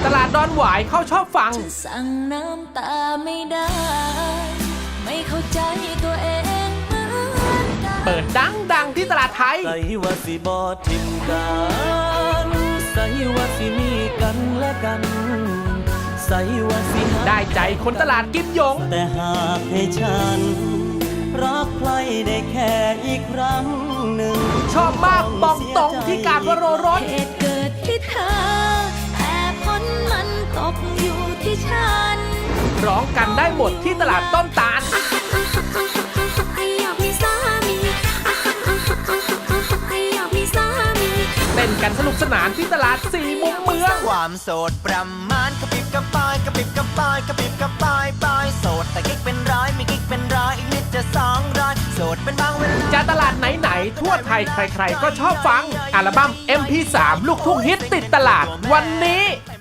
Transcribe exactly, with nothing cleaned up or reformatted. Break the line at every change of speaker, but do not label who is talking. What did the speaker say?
ตลาดดอนหวายเขาชอบฟัง
สั่งน้ำตาไม่ได้ไม่เข้าใจตัวเอง
เปิดดังดังที่ตลาดไทย
ใส่ว่าสิบอทิมกันใส่ว่าสิมีกันและกันใส่ว่าสิ
ได้ใจคนตลาดกิมหยง
แต่หากให้ฉันรักใครได้แค่อีกครั้งหนึ่ง
ชอบมากบองตรงที่การวโรรส
เหตุเกิดที่เธอแต่ผลมันตกอยู่ที่ฉัน
ร้องกันได้หมดที่ตลาดต้นตาลเต้นกันสนุกสนานที่ตลาดสี่มุมเมือง
ความโสดประมาณกระปิบกระปายกระปิบกระปายกระปิบกระปายปลายโสดแต่กิ๊กเป็นร้อยมีกิ๊กเป็นร้อยอีกนิดจะสองร้อยโสดเป็นบางเวลา
จะตลาดไหนๆทั่วไทยใครๆก็ชอบฟังอัลบั้ม เอ็ม พี สาม ลูกทุ่งฮิตติดตลาดวันนี้